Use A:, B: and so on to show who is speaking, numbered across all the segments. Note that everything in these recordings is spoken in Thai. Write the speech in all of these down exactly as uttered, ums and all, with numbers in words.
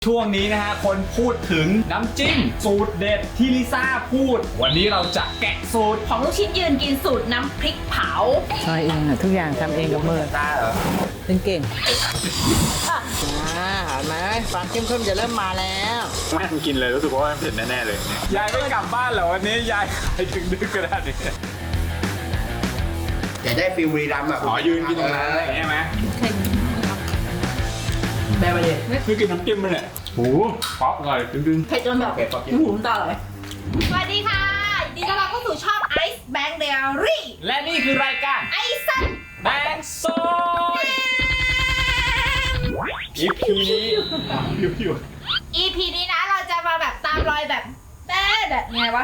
A: ช่วงนี้นะฮะคนพูดถึงน้ำจิ้มสูตรเด็ดที่ลิซ่าพูดวันนี้เราจะแกะสูตร
B: ของลูกชิ้นยืนกินสูตรน้ำพริกเผา
C: ซอยเองอะทุกอย่างทำเองกับมือ
D: ตาเหรอ
C: เป็นเก่งอ่าเห็นไหมความเข้มข้นจะเริ่มมาแล้ว
A: แม่กินเลยรู้สึกว่าเผ็ดแน่ๆเลยยายไม่กลับบ้านเหรอวันนี้ยายไปถึงดึกขนาดนี้
D: อยากได้ฟิลบุรีรัมย์อ่ะ
A: อ๋อยืนกินตรงนั้นอะไรอย่างเงี้ยไหม
D: แม่มาดิ
A: คือกินน้ำจิ้มมันแหละโอ้ป๊อปอร่อยดึงๆ
B: เผ็ดจนแบบ
D: เก็บป๊อป
B: หูตาเลยสวัสดีค่ะยินดีต้อนรับเข้าสู่ช่อง Ice Bank Diary
A: และนี่คือรายการ
B: ไอซัน
A: แบงโซย อี พี นี้ผิว
B: อี พี นี้นะเราจะมาแบบตามรอยแบบแป๊ดแบบไงวะ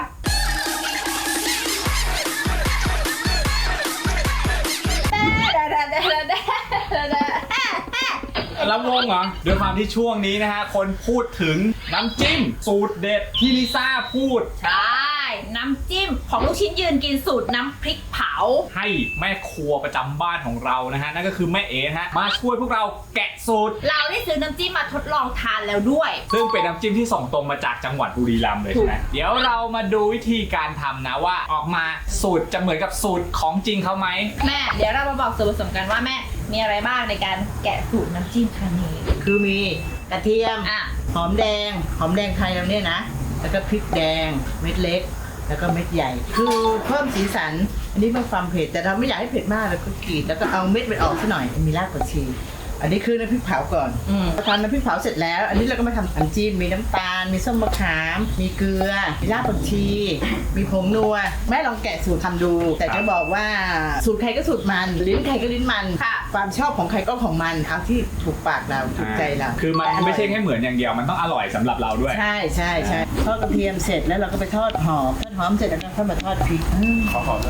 B: แป๊ดแป๊ดแป๊ดแป๊ดแป๊ดแป๊ด
A: ลำวงเหรอด้วยความที่ช่วงนี้นะฮะคนพูดถึงน้ำจิ้มสูตรเด็ดที่ลิซ่าพูด
B: ใช่ น้ำจิ้มของลูกชิ้นยืนกินสูตรน้ำพริกเผา
A: ให้แม่ครัวประจำบ้านของเรานะฮะนั่นก็คือแม่เอ๋นะฮะมาช่วยพวกเราแกะสูตร
B: เราได้ซื้อน้ำจิ้มมาทดลองทานแล้วด้วย
A: ซึ่งเป็นน้ำจิ้มที่ส่งตรงมาจากจังหวัดบุรีรัมย์เลยใช่ไหมเดี๋ยวเรามาดูวิธีการทำนะว่าออกมาสูตรจะเหมือนกับสูตรของจริงเขาไหม
B: แม่เดี๋ยวเรามาบอกส่วนผสมกันว่าแม่มีอะไรบ้างในการแกะสูตรน้ำจิ้มครั้งนี้
C: คือมีกระเทียม
B: อ่ะ
C: หอมแดงหอมแดงไทยเราเนี่ยนะแล้วก็พริกแดงเม็ดเล็กแล้วก็เม็ดใหญ่ คือเพิ่มสีสันอันนี้เพิ่มความเผ็ดแต่เราไม่อยากให้เผ็ดมากเราก็กรีดแล้วก็เอาเม็ดมันออกซะหน่อยมีรากผักชีอันนี้คือน้ำพริกเผาก่อนพอทำน้ำพริกเผาเสร็จแล้วอันนี้เราก็มาทำน้ำจิ้มมีน้ำตาลมีส้มมะขามมีเกลือมีรากผักชีมีผงนัวแม่ลองแกะสูตรทำดูแต่จะบอกว่าสูตรใครก็สูตรมันลิ้นใครก็ลิ้นมันความชอบของใครก็ของมันเอาที่ถูกปากเราถูกใจเรา
A: คือมันไม่ใช่แค่เหมือนอย่างเดียวมันต้องอร่อยสำหรับเราด้วย
C: ใช่ใช่ใช่ทอดกระเทียมเสร็จแล้วเราก็ไปทอดหอมทอดหอมเสร็จแล้วก็ค่อยมาทอดพริก
D: ขอหอมเลย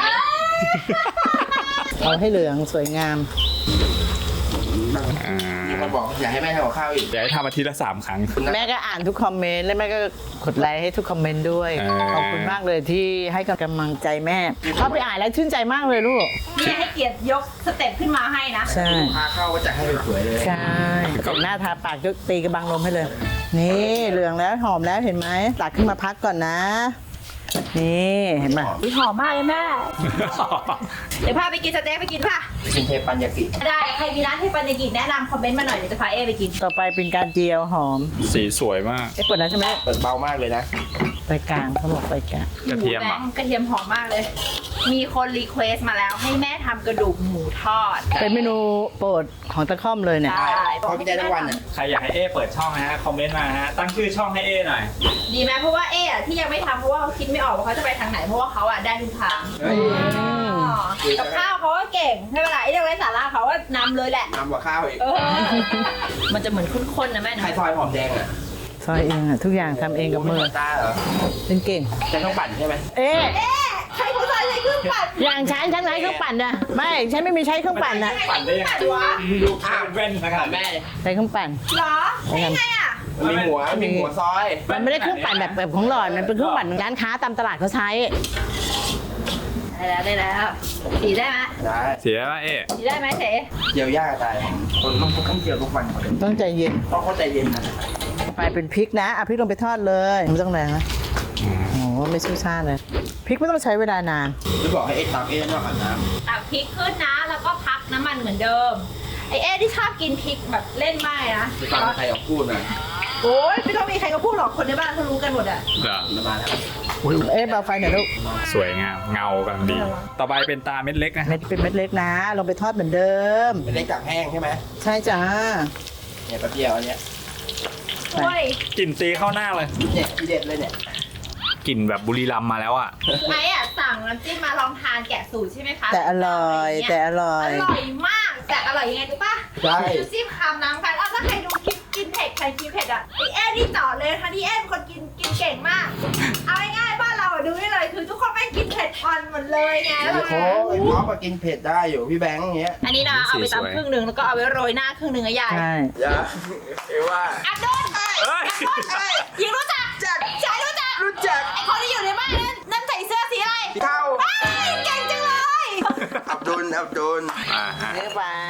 C: เอาให้เหลืองสวยงาม
D: มีคนบอกอยากให้แม่ทำกับข้าวอีก
A: อยากให้ทำอาทิตย์ละสามครั้ง
C: แม่ก็อ่านทุกคอมเมนต์และแม่ก็กดไลค์ให้ทุกคอมเมนต์ด้วยขอบคุณมากเลยที่ให้กำลังใจแม่เข้าไปอ่านแล้วชื่นใจมากเลยลูก
B: นี่ให้เกียรติยกสเต็ปขึ้นมาให้นะ
C: ใช่
D: พาเข้าก็จะให้สวยเลย
C: ใช่แต่งหน้าทาปากยกตีกระบังลมให้เลยนี่เหลืองแล้วหอมแล้วเห็นไหมตักขึ้นมาพักก่อนนะนี่เห็นไหม
B: หอมมากเลยแม่เดี๋ยวพาไปกินสเต็กไปกินป่ะ
D: กินเทปันยากิ
B: ได้ใครมีร้านเทปันยากิแนะนำคอมเมนต์มาหน่อยเดี๋ยวจะพาเอไปกิน
C: ต่อไปเป็นการเจียวหอม
A: สีสวยมาก
C: เอ๊ะเปิดแล้วใช่ไหม
D: เปิดเบามากเลยนะ
C: ไปกลางเขาบอกไปกลาง
A: กระเทียมอ่ะ
B: กระเทียมหอมมากเลยมีคนรีเควสมาแล้วให้แม่ทำกระดูกหมูทอด
C: เป็นเมนูโปรดของตะค่อมเลยเนี่ย
B: ใช่
D: พอพี่ได้ทั้งวันอ่ะ
A: ใครอยากให้เอเปิดช่องนะฮะคอมเมนต์มาฮะตั้งชื่อช่องให้เอหน่อย
B: ดีไหมเพราะว่าเอที่ยังไม่ทำเพราะว่าเขาคิดไม่ออกว่าเขาจะไปทางไหนเพราะว่าเขาอ่ะได้ทุกทางกับข้าวเขาก็เก่งไม่เป็นไรไอ้เรื่องไร้สาระเขาก็นำเลยแหละ
D: นำกว่าข้าวอีก
B: มันจะเหมือนข้นๆนะแม่
D: ใครซอยหอมแดงอ่ะ
C: ซอยเองอะทุกอย่างทำเองกับมือ
D: ตาเหรอ
C: เป็นเก่ง
D: ใช้เครื่องปั่นใช่ไหม
C: เอ๊ะ
B: ใช้ผู้ชายใช้เครื่องปั่น
C: อย่างฉันฉันใช้เครื่องปั่นนะไม่ฉันไม่มีใช้เครื่องปั่นนะ
A: ปั่นได้ยังไงวะลูกค้าเว้นนะครับแม่
C: ใช้เครื่องปั่น
B: เหรอยังไงอ่ะ
D: มีหัวมีหัวซอย
C: มันไม่ได้เครื่องปั่นแบบแบบของหลอดมันเป็นเครื่องปั่นร้านค้าตามตลาดเขาใช้
B: ได้แล้วได้แล้วสีได้ไหม
D: ได้
A: สีได้ไหมเอ๊ะ
B: สีได้ไหมเส
D: เจียวยากตายคนต้องต้องเจียวทุกวัน
C: ต้องใจเย็น
D: ต้องเข้าใจเย็นนะ
C: ไปเป็นพริกนะเอาพริกลงไปทอดเลยไม่ต้องแรงนะโอ้ไม่สู้ชาเลยพริกไม่ต้องใช้เวลานาน
D: หรือบอกให้เอ๊ะตักเอ๊ะนอกอาบน้
B: ำตักพริกขึ้นนะแล้วก็พักน้ำมันเหมือนเดิมไอเอ๊ที่ชอบกินพริกแบบเล่นไม่นะ
D: จะฟังใครออกพูดนะ
B: โอ้ยไม่ต้องมีใครก็พูดหรอกคนในบ้านเขารู้กันหมดอ่ะ
D: มาแล้ว
C: เอ๊ะเบาไฟหน่อยลูก
A: สวยงามเงากำลังดีต่อไปเป็นตาเม็ดเล็กนะ
C: เม็ดเป็นเม็ดเล็กนะลงไปทอดเหมือนเดิม
D: เม็ดเล็กจากแห้งใช่ไหม
C: ใช่จ้า
D: เนี่ยแป๊บเดียวอันเนี้ย
A: กลิ่นตีเข้าหน้าเลย
D: เนี่ยทีเด็ดเลยเนี่ย
A: กลิ่นแบบบุรีรัมย์มาแล้วอ่ะ
B: ไอ้อ่ะสั่งน้ำจิ้มมาลองทานแกะสูตรใช่ไหมคะ
C: แต่อร่อยแต่อร่อย
B: อร่อยมากแต่อร่อยยังไงรู้ป่ะ
D: ใช่
B: ดูซิมคำน้ำกันเอาถ้าใครดูคลิปกินเผ็ดใครกินเผ็ดอ่ะไอเอ็นี่ต่อเลยค่ะที่เอ็นคนกินกินเก่งมากเอาง่ายๆบ้านเราดูได้เลยคือทุกคนไม่กินเผ็ดอ่อนหมดเลยไง
D: โอ้โหไอ้ป๊อปกินเผ็ดได้อยู่พี่แบงค์อย่างเงี้ย
B: อันนี้นะเอาไปตำครึ่งหนึ่งแล้วก็เอาไว้โรยหน้าครึ่งหนึ่งอะยาย
C: ใช่
D: ยาเอว่า
B: อับดุลยิงรู้จักจักชายรู้จัก
D: รู้จัก
B: ไอคนที่อยู่ในบ้านนั้นนั่นใส่เสื้อสีอะไร
D: เทา
B: เก่งจังเลย
D: อับดุลอับดุล
C: เนื้อไป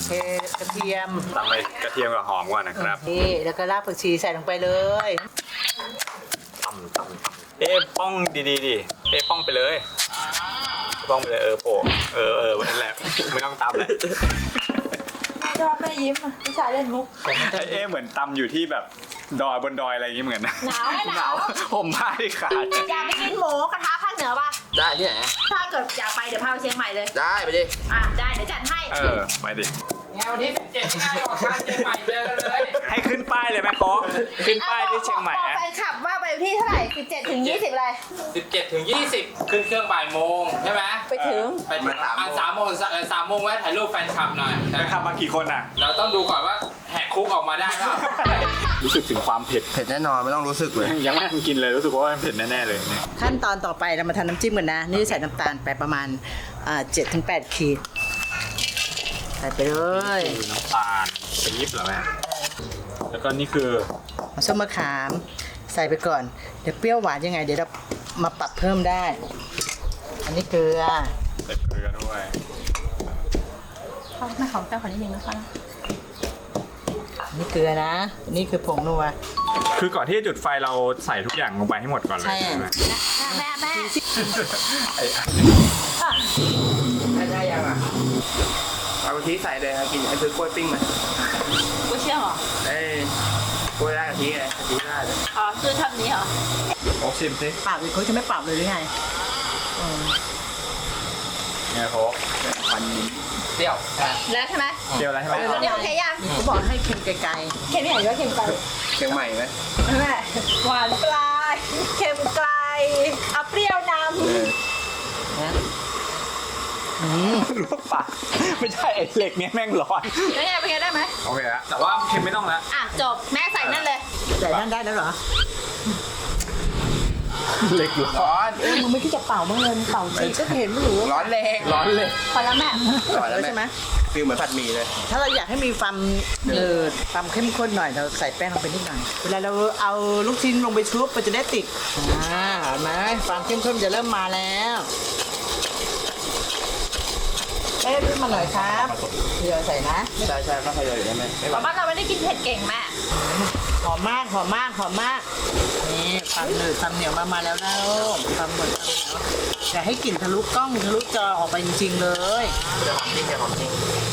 C: เทกระเทียม
A: ตำไปกระเทียมกับหอมก่อนนะครับ
C: นี่แล้วก็รากผักชีใส่ลงไปเลย
A: ตำตำเอ๊ะป้องดีๆดิเอ๊ะป้องไปเลยป้องไปเลยเออโผล่เออเออนั่นแหละไม่ต้องตำแล้ว
B: ชอบแม่ยิ้มอ่ะพี่ชายเล่นมุก
A: เอ๊ะเหมือนตำอยู่ที่แบบดอยบนดอยอะไรอย่างงี้เหมือนนะ
B: หนาวไหมหนาว
A: ห่มผ้าที่ขาด
B: อยากไปกินหมูกระทะภาคเหนือป่ะ
D: ได้ที่ไหน
B: ถ้าเกิดอยากไปเดี๋ยวพาไปเชียงใหม่เลย
D: ได้ไปดิ
B: อ่ะได้เดี๋ยวจัดให้
A: เออไปดิ
D: แนวนี้เจ็ดง่ายกว่าการเชียงใหม่เจอกันเลย
A: ให้ขึ้นป้ายเลยไหมโค้กขึ้นป้ายที่เชียงใหม่
B: บอก
A: อะ
B: แฟนคลับว่าไปที่เท่าไหร่สิบเจ็ดถึงยี่สิบเลย
E: สิบเจ็ดถึงยี่สิบขึ้นเครื่องบ่ายโมงใช่ไหม
B: ไปถึง
E: ไปถึงอ่ะสามโมงเอ่อสามโมงแวะถ่ายรูปแฟนคลับหน่อย
A: ไปขับมากี่คนอ่ะ
E: เราต้องดูก่อนว่าแหกคุกออกมาได้เปล่า
A: รู้สึกถึงความเผ็ด
D: เผ็ดแน่นอนไม่ต้องรู้สึกเลย
A: ยังไม่ทันกินเลยรู้สึกว่ามันเผ็ดแน่ๆเลยเนี่ย
C: ขั้นตอนต่อไปเรามาทำน้ำจิ้มกันนะ นี่ใส่น้ำตาลไปประมาณเจ็ดถึงแปดขีดใส่ไปเลย
A: คือน้ำตาลปี๊บเหรอแม่แล้วก็นี่คือ
C: ส้มมะขามใส่ไปก่อนเดี๋ยวเปรี้ยวหวานยังไงเดี๋ยวเรามาปรับเพิ่มได้ อันนี้เกลือ
A: ใส่เกลือด้วย
B: เขาแม่ของเจ้าคนนี้ยังนะคะ
C: อันนี้เกลือนะอันนี่คือผงนัว
A: คือก่อนที่จะจุดไฟเราใส่ทุกอย่างลงไปให้หมดก่อนเลย
C: ใช่
A: ใช่ไหม
B: แม่แม่
A: ไอ้
D: ได้ได้ยังอ่ะเอากะทิใส่เลยครับกินไอ้ซื้อกล้วยปิ้งมา
B: กูเชื่อเหรอ
D: เอ้ยกล้วยได้กะทิไงกะทิได้เลย
B: อ๋อคือทำนี้เหรอ
A: โอ๊กชิมสิ
C: ปรับเลยเขาจะไม่ปรับเลยหรือไงอืม
A: เนี่ยโค้ก
D: ฟัน
E: เปรี้ยวใช่
B: แล้วใช่ไหม
A: เดียวแล้วใช่ไหม
B: เดี๋ยวโอเคยัง
C: เขาบอกให้เค็มไกล
B: เค็มที่ไหนก็เค็มไกล
D: เชียงใหม่ไหม
B: แม่หวานปลายเค็มไกลเอาเปรี้ยวน
C: ๆนะอืม
A: ลวกปากไม่ใช่ไอ้เหล็กเนี้ยแม่งร้อน
B: ำแล้วไงเป็นไงได้ไหม
A: โอเคแล้วแต่ว่าเค็มไม่ต้องแล้ว
B: อ่ะจบแม่ใส่นั่นเลย
C: ใส่นั่นได้แล้วเหรอ
A: เหล็กร้อน
D: ร้อน
C: เอ้ยมึงไม่คิดจะเป่าบ้างเลยมึงเป่าสิก็เห็นไม่รู้
D: ร้อนแรง
A: ร้อนเลย
B: พอแล้วแม่
D: ร้อนแล้ว
C: ใช่ไหม
D: ฟิลเหมือนผัดหมี่เลย
C: ถ้าเราอยากให้มีความเนืดความเข้มข้นหน่อยเราใส่แป้งลงไปนิดหน่อยเวลาเราเอาลูกชิ้นลงไปชุบมันจะได้ติดอ่าเห็นไหมความเข้มข้นจะเริ่มมาแล้วเอ๊ะขึ้นมาหน่อยครับเดี๋ยวใส่นะ
D: ใช่ใช่ก็พยายามอยู่ได้ไหมไม่หวาน
B: บ้านเราไม่ได้กินเผ็ดเก่งแม่
C: หอมมากหอมมากหอมมากนี่ความหนืดความเหนียวมามาแล้วนะลูกความหนืดความเหนียวอย่าให้กลิ่นทะลุกล้องทะลุจอออกไปจริงๆเลย
D: จะหอมจริงจะหอมจริง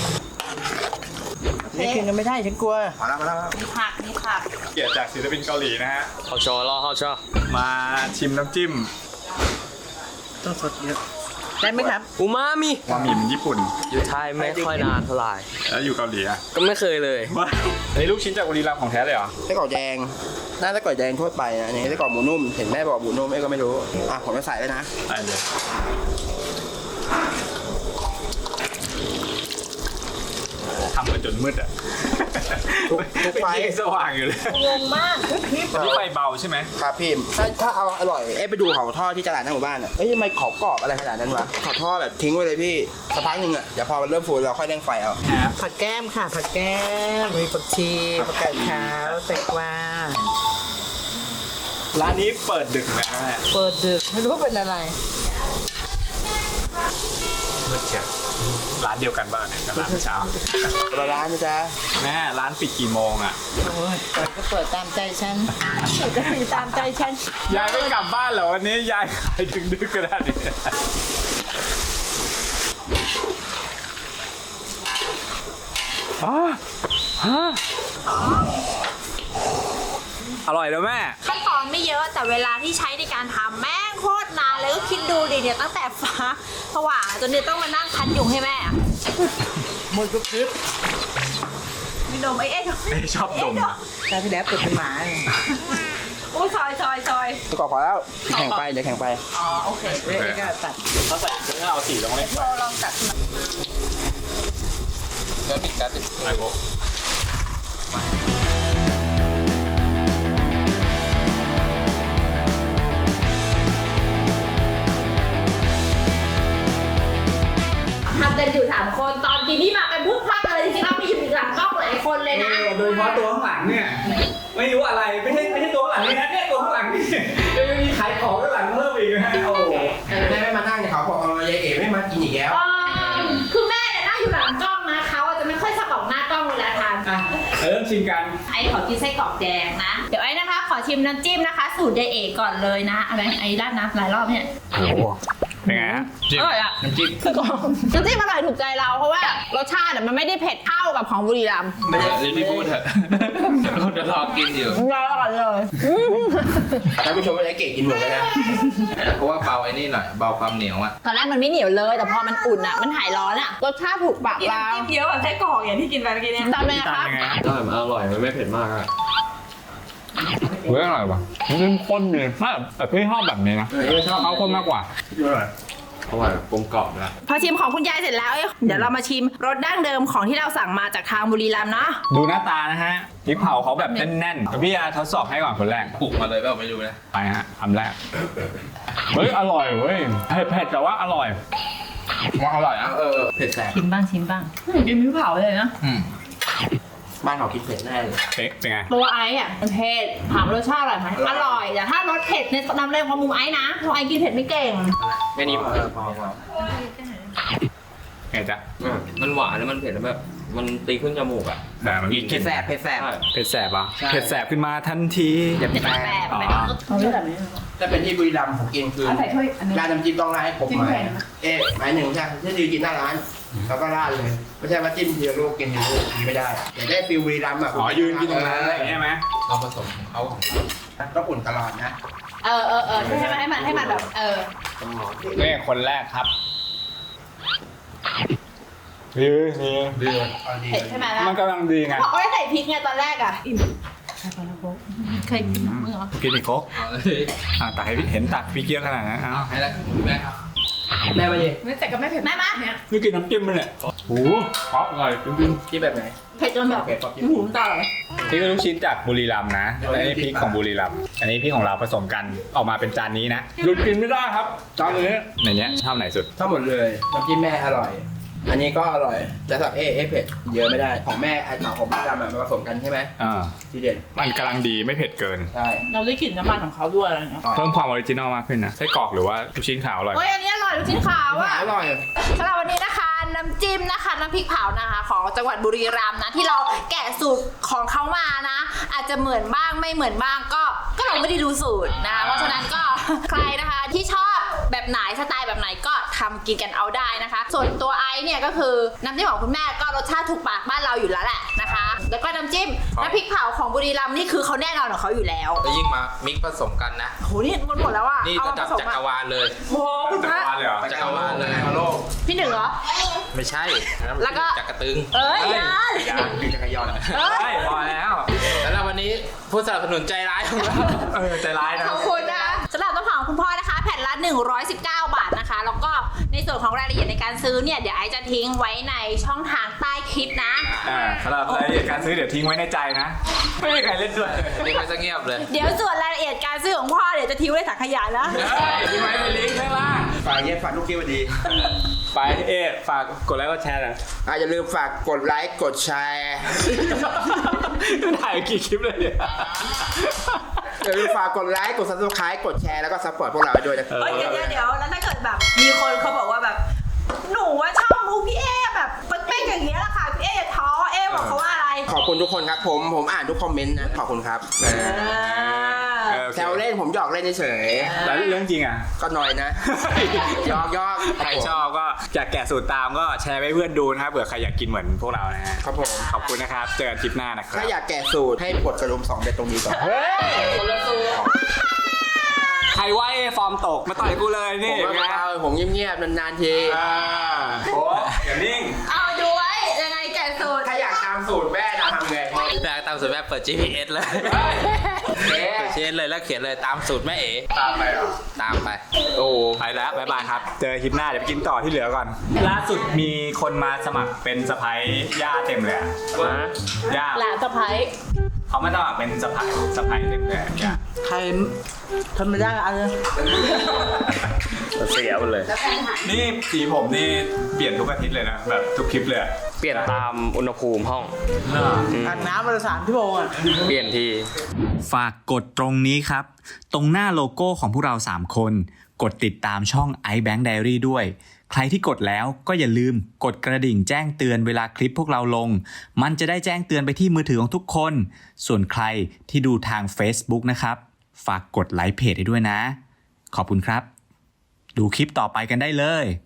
C: นี่กินกันไม่ได้ฉันกลัว
D: พอแล้วพอแล้ว
B: มีผักมีผัก
A: เกียรติจากศิลปินเกาหลีนะฮะ
E: เขาชอรอเขาชอ
A: มาชิมน้ำจิ้ม
C: ต้องสดเยอะได้ไหมครับ
E: อูมามิ
A: วามิมญี่ปุ่น
E: อยู่ไทยไม่ค่อยนานเท่าไหร่
A: แล้วอยู่เกาหลีอ่ะ
E: ก็ไม่เคยเลย
A: ว่าอันนี้ลูกชิ้นจากบุรีรัมย์ของแท้เลยเหรอ
D: ไส้กรอกแดงน่าไส้กรอกแดงทั่วไปนะอันนี่ไส้กรอกหมูนุ่มเห็นแม่บอกหมูนุ่มเอ้ก็ไม่รู้อ่ะผมจะใส่ไว้นะ
A: ได้เลยทำมาจนมืดอ่ะ
D: ทุกทุกไฟ
A: ยังสว่างอยู่เลย
B: งงมาก
A: นี่ไฟเบาใช่ไหม
D: ครับพี่ถ้าถ้าเอาอร่อยเอ้ไปดูเขาทอดที่ตลาดหน้าหมู่บ้านอ่ะเอ้ยทำไมเขากรอบอะไรขนาดนั้นวะเขาทอดแบบทิ้งไว้เลยพี่สักพักหนึ่งอ่ะเดี๋ยวพอมันเริ่มฟูเราค่อยเร่งไฟเอา
C: ผักแก้มค่ะผักแก้มมีผักชีผักกาดขาวแตงกวา
A: ร้านนี้เปิดดึกไหมแม่
C: เปิดดึกไม่รู้ว่าเป็นอะไร
A: มืดเชียวร้านเดียวกันบ้างเนี่ยกับร้านเช้า
D: คนละร้านนะจ๊ะ
A: แม่ร้านปิดกี่โมงอ่ะ
C: โอ้ยเปิดก็เปิดตามใจฉันเปิดก็มีตามใจฉัน
A: ยายไม่กลับบ้านเหรอวันนี้ยายขายถึงดึกขนาดนี้อ๋อฮะอร่อยแล้วแม่
B: ขั้นตอนไม่เยอะแต่เวลาที่ใช้ในการทำแม่งโคตรนานเลยก็คิดดูดิเนี่ยตั้งแต่ฟ้าสว่างจนเนี่ยต้องมานั่งคั้นยุงให้แม่อะ
C: หมดก็คลิป
B: มีดมไอ้เอ๊ะดม
A: เอ๊ะชอบดม
C: ตอนที่แล้วเปิดเป็นหมาเลย
B: โอ้ยซอยซอยซอย
D: ไส้กรอกพอแล้วแข่งไปเดี๋ยวแข่งไป
B: อ๋อโอเค
C: เว้ยนี่ก็ตัด
A: เขาใส่เนื้อเอาสีลงเลย
B: โทรลองจัด
E: เดี๋ยวปิดกันติด
A: ไอ้โบ
B: ทำกันอยู่สามคนตอนกินนี่มากันพลุกพลักเลยจริงๆแล้วมีอยู่หลังกล้องหลายคนเลยนะ
A: โดยเฉพาะตัวข้างหลังเนี่ย ไม่รู้อะไรไม่ใช่ไม่ใช่ตัวข้างหลังนี่นะเนี่ยตัวข้างหลังนี่ยังมีขายของข้างหลังเพิ่มอีกนะฮะโอ้โห
D: แม่ไม่มานั่งเนี่ยเขาบอกเออยายเอ๋ไม่มากินอีกแล้ว
B: เออคือแม่เนี่ยนั่งอยู่หลังกล้องนะเขาอาจจะไม่ค่อยสบ
A: ชิมกัน
B: ไอ้ขอกินไส้กรอกแดงนะ เดี๋ยวไอ้นะคะ ขอชิมน้ำจิ้มนะคะ สูตรยายเอกก่อนเลยนะอะไรไอ้ราดน้ำหลายรอบเนี่ย
A: โอ้โหเป็นไงฮะจิ้ม
B: อร่อยอะ
A: น้ำจิ้ม
B: น้ำจิ้มอร่อยถูกใจเราเพราะว่ารสชาติมันไม่ได้เผ็ดเท่ากับของบุรีรัมย์
E: ไม่ได้รีบพูดเถอะเราจะรอกินอยู่
B: เราอร่อยเลย
D: ท่านผู้ชมไม่ได้เก่งกินหมดเลยนะ
E: เพราะว่าเบาไอ้นี่หน่อยเบาความเหนียวอ่ะ
B: ตอนแรกมันไม่เหนียวเลย แต่พอมันอุ่นอ่ะมันหายร้อนอ่ะรสชาติถูกปากเรา
F: จิ้มเยอะกว่าไส้กรอกอย่างที่กินไปเมื่อกี้เนี่ย
B: ตามเลยนะ
A: ตาม
B: คะ
A: ยังไงฮะ
G: ได้มันอร่อย มันไม่เผ็ดมากอะ
A: เฮ้ยอร่อยว่ะมันเข้มข้นเลยถ้าแต่พี่ชอบแบบนี้นะชอบเข้มข้นมากกว่า
G: อร่อยกลมกล่อมนะ
B: พอชิมของคุณยายเสร็จแล้วเอ้ยเดี๋ยวเรามาชิมรสดั้งเดิมของที่เราสั่งมาจากทางบุรีรัมย์เนาะ
A: ดูหน้าตานะฮะพริกเผาเขาแบบแน่นๆพี่ยาทดสอบให้ก่อนคนแรก
E: ปลุกมาเลยเปล่าไม่รู้นะ
A: ไปฮะคำแรกเฮ้ยอร่อยเว้ยเผ็ดๆแต่ว่าอร่อย
E: ว่าอร่อยอ่ะ
D: เออเผ็ดแสบ
F: ชิมบ้างชิมบ้างกินพริกเผาเลยนะ
E: อืม
D: บ้านเขากินเผ็ดแน่เลย
A: เป๊ะเป็นไง
B: ตัวไอ้อะมันเผ็ดถามรสชาติอร่อยไหมอร่อยแต่ถ้ารสเผ็ดในนำเรื่องของมุมไอ้นะเพราะไอ้กินเผ็ดไม่เก่ง
E: แค่นี้พอพอพอ
A: ไงจ๊ะ
G: มันหวานแล้วมันเผ็ดแล้วแบบมันตีขึ้นจมูกอะ
A: แต่มันมี
D: เผ็ดแสบเผ็ดแสบ
G: ใช่
A: เผ็ดแสบอ่ะ
D: ใช่
A: เผ็ดแสบขึ้นมาทันที
D: เผ็ด
B: เผ็ด
D: แส
B: แบบ
D: บ
B: ไป
A: อ๋อ
F: เอาเรื่องแบบนี้
D: ถ้าเป็นที่บุรีรัมย์ผมกินคือ
F: เอาใส่ถ้วยอันนึง
D: ราดน้ำจิ้มต้องราดให้ครบ
F: จิ้ม
D: ไม้
F: แผ่นนะ
D: เอ๊ะไม้หนึ่งใช่ที่ดีกินหน้าร้าน แล้วก็ราดเลย ไม่ใช่ว่าจิ้มทีละลูกกินทีละลูกกินไม่ได้อยากได้ฟิลบุรีรัมย์อ่ะ
A: อ๋อยืนกินตรงนั้นอะไรอย่างเงี้ยไหม
E: เราผสมของเขาของเรา
D: ต้องอุ่นตลอดนะ
B: เออเออเออให้มันให้มันให้มันแบบเออ
A: นี่คนแรกครับดีดี
E: เดือด
D: เอาดี
B: เผ็ดใช่ไหมล่ะ
A: มันกำลังดีไง
B: เขาก็ได้ใส่พริกไงตอนแรกอ่ะเคยกินมั้งเหรอ
A: กินอีกครก
E: เอาเลย
A: อ่ะตักให้พี่เห็นตักพี่เกี๊ยวขนาดนั้นอ้าว
E: ให้แล้วแม่ครับ
D: แม่มาดิ
F: ไม่แต่ก็ไม่เผ็ด
B: แม่มา
F: เนี่ย
A: นี่กินน้ำจิ้มมันเนี่ยโอ้โหเพราะอร่อยจริง
D: ที่แบบไหน
B: เผ็ดจนแบบ
D: เผ็ดปอบกิน
B: หูมนตาเลย
A: ๆนี่ก็ลูกชิ้นจากบุรีรัมย์นะและนี่พริกของบุรีรัมย์อันนี้พริกของเราผสมกันออกมาเป็นจานนี้นะหยุดกินไม่ได้ครับจานนี้ในเนี้ยชอบไหนสุด
D: ทั้งหมดเลยน้ำจิ้มแม่อร่อย อันนี้ก็อร่อยแต่สับเอ๊ะเอ๊ะเผ็ดเยอะไม่ได้ของแม่ไอ้ของของบุรีรัมย์อะมาผสมกันใช่ไหม
A: อ่า
D: ทีเด็ด
A: มันกำลังดีไม่เผ็ดเกิน
D: ใช่
F: เราได้กลิ่นน้ำมันของเขาด้วยอะไรเงี้ย
A: เพิ่มความออริจินอลมากขึ้นนะไส้กรอกหรือว่าลูกชิ้นขาวอร่อย
B: โอ้ยอันนี้อร่อยลูกชิ้นขาวอ่ะ
D: อร่อย
B: สำหรับวันนี้นะคะน้ำจิ้มนะคะน้ำพริกเผานะคะของจังหวัดบุรีรัมย์นะที่เราแกะสูตรของเขามานะ อาจจะเหมือนบ้างไม่เหมือนบ้างก็ก็เราไม่ได้ดูสูตรนะคะเพราะฉะนั้นก็ ใครนะคะที่ชอบแบบไหนสไตล์แบบไหนก็ทำกินกันเอาได้นะคะ ส่วนตัวไอซ์เนี่ยก็คือน้ำจิ้มของคุณแม่ก็รสชาติถูกปากบ้านเราอยู่แล้วแหละนะคะ แล้วก็น้ำจิ้มน้ำพริกเผาของบุรีรัมย์นี่คือเขาแน่นอนของเขาอยู่แล้ว
E: แล้วยิ่งมามิกผสมกันนะ
B: โหนี่มันหมดแล้วอ่ะ
E: นี่
B: เอา
E: ระ
B: มา
E: ดั
B: ผ
E: บ
B: สม
E: จักร
B: อะ
E: วาลเลย
B: โอ้โหคุณพระ
A: วาลเลยเหรอ
E: จักรวาลเลย
D: โลก
B: พี่หนึ่งเหรอ
E: ไม่ใช่
B: แล้วก็
E: จักรตึง
B: เอ้ยยัน
D: มีจักรยาน
B: เอ้ย
A: ใช่พอแล้ว
E: แล้ววันนี้ผู้สนับสนุนใจร้ายของเรา
A: เออใจร้ายนะ
B: ขอบคุณนะคะสำหรับต้นหอมคุณพ่อนะคะ แผ่นละหนึ่งร้อยสิบเก้าบาทนะคะ แล้วก็ในส่วนของรายละเอียดในการซื้อเนี่ยเดี๋ยวไอซ์จะทิ้งไว้ในช่องทางใต้คลิปนะ
A: อ่าสำหรับรายละเอียดการซื้อเดี๋ยวทิ้งไว้ในใจนะ ไม่มีใครเล่นด้วย
E: นี่ไม่ซะเงียบเลย
B: เดี๋ยวส่วนรายละเอียดการซื้อของพ่อเดี๋ยวจะทิ้งไว้ในถังขยะนะ
A: ทิ้งไว้ในลิงก์ข้างล่าง
D: ฝากเย็บฝากลูกคิ้วดี
A: ไปเอ๊ะฝากกดไลค์กดแชร์หน่อย
D: อ่ะอย่าลืมฝากกดไลค์กดแชร์
A: ถ่ายกี่คลิปเลยเนี่ย
D: อย่าลืมฝากกดไลค์กด ซับสไครบ์ กดแชร์แล้วก็ซัพพอร์ตพวกเราไว้ด้วยนะ
A: เออ
B: เฮ้ยเดี๋ยวเดี๋ยวเดี๋ยวแล้วถ้าเกิดแบบมีคนเขาบอกว่าแบบ หนูว่าชอบมูพี่เอแบบเป๊กๆอย่างเงี้ยแหละค่ะพี่เออย่าท้อเอบอกเขาว่าอะไร
D: ขอบคุณทุกคนครับผมผมอ่านทุกคอมเมนต์นะขอบคุณครับ
A: เออโอเค
D: แซวเล่นผมหยอกเล่นเฉย
A: แล้วเรื่องจริงอ่ะ
D: ๆก็หน่อยนะหยอกหยอก
A: ใครชอบก็อยากแกะสูตรตามก็แชร์ให้เพื่อนดูนะครับเผื่อใครอยากกินเหมือนพวกเรานะฮะ
D: ครับผม
A: ขอบคุณนะครับ เจอกันคลิปหน้านะครับ
D: ถ้าอยากแกะสูตรให้กดกระดุมสองเด็ดตรงนี้ก่อน
A: เฮ้ยใครว่าเอฟอร์มตกมาต่อยกูเลย
D: ผ
A: นี่
D: ม
A: ไง
D: ว่าเอาผมเงียบๆนานๆที
A: อ่าโอ้อย่านิ่ง
B: เอาดูไว้ยังไงแกะสูตร
D: ถ้าอยากตามสูตรแม่จะทำไง
E: แม่ตามสูตรแม่เปิด จี พี เอส เลย
D: เอ๊ะ
E: เปิด จี พี เอส เลยแล้วเขียนเลยตามสูตรแม่เอ๋
A: ตามไปเหรอ
E: ตามไป
A: โอ้ไปแล้วบ๊ายบายครับ เจอคลิปหน้าเดี๋ยวไปกินต่อที่เหลือก่อน ล่าสุดมีคนมาสมัครเป็นสะพ้ายย่าเต็มเลยอะย่า
B: หลานสะพ้าย
A: เขามาสมัครเป็นสะพ้ายสะพ้ายเต็มเลยอะย่า
C: ใครทำไม่ได้เอาเลย
G: เสียหมดเลย
A: นี่สีผมนี่เปลี่ยนทุกอาทิตย์เลยนะแบบทุกคลิปเลยอะ
G: เปลี่ยนตามอุณหภูมิห้อง
C: อาบน้ำวันละสามชั่วโมงอ่ะ
G: เปลี่ยนที
H: ฝากกดตรงนี้ครับ ตรงหน้าโลโก้ของพวกเราสามคน กดติดตามช่อง iBank Diary ด้วย ใใครที่กดแล้วก็อย่าลืมกดกระดิ่งแจ้งเตือนเวลาคลิปพวกเราลงมันจะได้แจ้งเตือนไปที่มือถือของทุกคนส่วนใครที่ดูทาง Facebook นะครับฝากกดไลค์เพจให้ด้วยนะขอบคุณครับดูคลิปต่อไปกันได้เลย